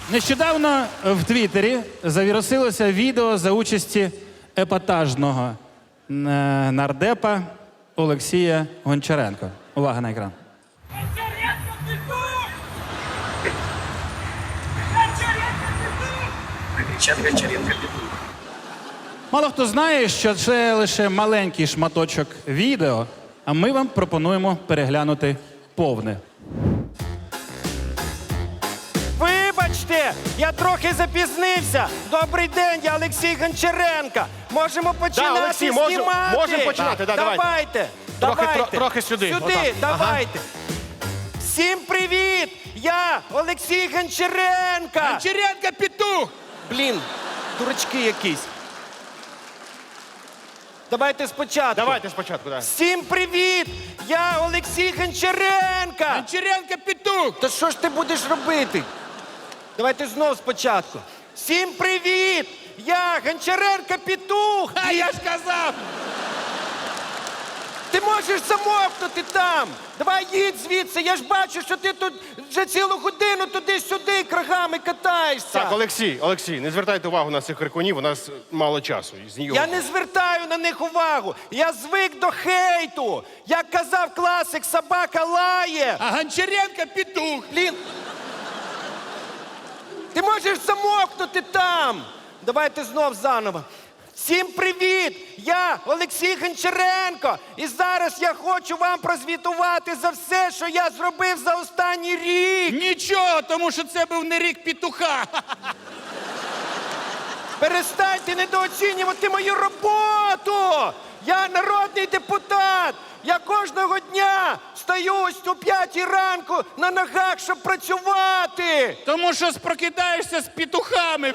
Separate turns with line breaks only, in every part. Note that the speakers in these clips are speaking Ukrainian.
Нещодавно в Твіттері завірусилося відео за участі епатажного нардепа Олексія Гончаренка. Увага на екран. Мало хто знає, що це лише маленький шматочок відео, а ми вам пропонуємо переглянути повне.
Вибачте, я трохи запізнився. Добрий день, я Олексій Гончаренко. Можемо починати
Олексій,
знімати.
можемо починати, да,
давайте.
Трохи сюди.
Сюди,
Отак.
давайте. Всім привіт! Я Олексій Гончаренко.
Гончаренко петух!
Блін, дурачки якісь. Давайте спочатку.
Давайте спочатку, так.
Всім привіт! Я Олексій Гончаренко.
Гончаренко петух!
Та що ж ти будеш робити? Давайте знов спочатку. Всім привіт! Я Гончаренко петух!
А я ж казав!
Ти можеш замовкнути там! Давай їдь звідси, я ж бачу, що ти тут вже цілу годину туди-сюди крагами катаєшся.
Так, Олексій, не звертайте увагу на цих крикунів, у нас мало часу.
Я не звертаю на них увагу. Я звик до хейту. Як казав класик, собака лає.
А Гончаренко петух!
Блін. Ти можеш замовкнути там. Давайте знов заново. Всім привіт! Я Олексій Гончаренко. І зараз я хочу вам прозвітувати за все, що я зробив за останній рік.
Нічого, тому що це був не рік петуха.
Перестаньте недооцінювати мою роботу! Я народний депутат! Я кожного дня стою ось о 5 ранку на ногах, щоб працювати!
Тому що прокидаєшся з петухами.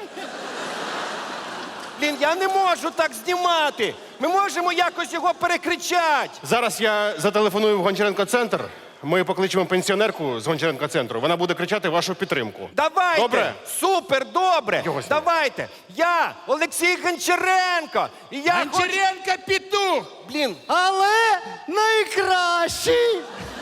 Блін, я не можу так знімати! Ми можемо якось його перекричати!
Зараз я зателефоную в Гончаренко-центр. Ми покличемо пенсіонерку з Гончаренко-центру. Вона буде кричати вашу підтримку.
Давайте!
Добре?
Супер, добре!
Його сюди.
Давайте! Я Олексій Гончаренко! І я хочу...
Гончаренко петух!
Блін,
Але найкращий.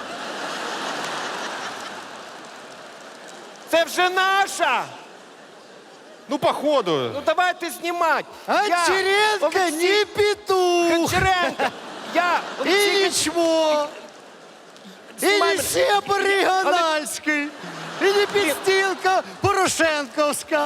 це вже наша!
Ну, походу.
Ну давайте знімати!
Гончаренко не петух.
Гончаренко! Я
И
Олексій
ничего. И
Снимай
не
мене.
сеп региональский. И не підстілка Порошенковська.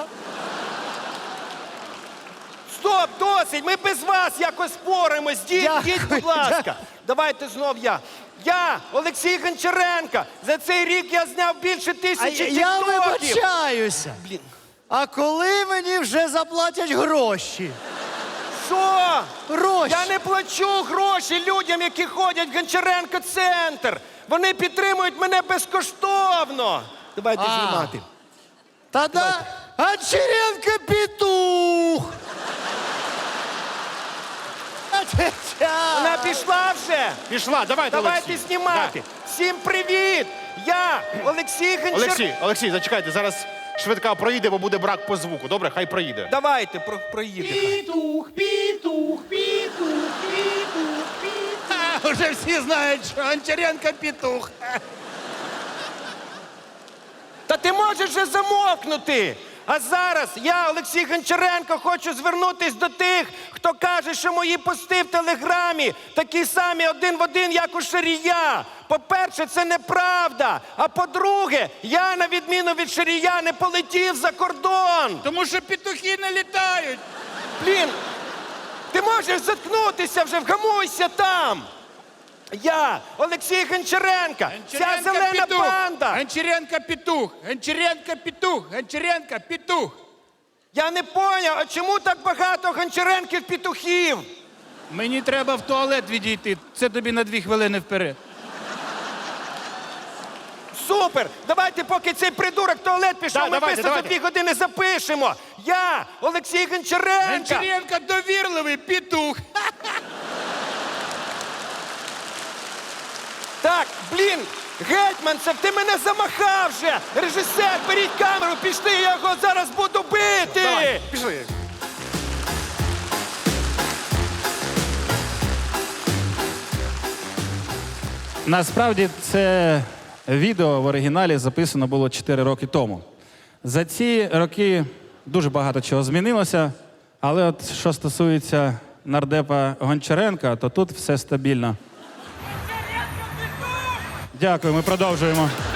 Стоп, досить! Ми без вас якось споримось. Діть, будь ласка. Давайте знов я. Я, Олексій Гончаренко. За цей рік я зняв більше 1000
Я
тіктоків.
вибачаюся.
Блін.
А коли мені вже заплатять гроші?
Що?
Гроші.
Я не плачу гроші людям, які ходять в Гончаренко-центр. Вони підтримують мене безкоштовно. Давайте знімати.
Тогда Гончаренко петух.
Вона пішла вже?
Пішла, давайте,
Давайте
Олексій.
знімати. Всім привіт! Я Олексій
Да.
Гончаренко.
Олексій, зачекайте, зараз швидка проїде, бо буде брак по звуку. Добре, хай проїде.
Давайте, проїде.
Петух, петух, петух, петух, петух. Уже всі знають, що Гончаренко петух.
Та ти можеш вже замовкнути. А зараз я, Олексій Гончаренко, хочу звернутись до тих, хто каже, що мої пости в Телеграмі такі самі один в один, як у Шарія. По-перше, це неправда. А по-друге, я, на відміну від Шарія, не полетів за кордон.
Тому що петухи не літають.
Блін, ти можеш заткнутися вже, вгамуйся там. Я, Олексій Гончаренко, ця зелена банда.
Гончаренко петух, Гончаренко петух, Гончаренко петух.
Я не поняв, а чому так багато Гончаренків-петухів?
Мені треба в туалет відійти. Це тобі на 2 хвилини вперед.
Супер! Давайте, поки цей придурок в туалет пішов,
Да,
ми
давайте,
писати за
давайте.
2 години запишемо. Я, Олексій Гончаренко.
Гончаренко довірливий петух.
Так, блін, Гетьманцев, ти мене замахав вже. Режисер, беріть камеру, пішли, я його зараз буду бити.
Давай, пішли.
Насправді це відео в оригіналі записано було 4 роки тому. За ці роки дуже багато чого змінилося, але от що стосується нардепа Гончаренка, то тут все стабільно. Дякую, ми продовжуємо.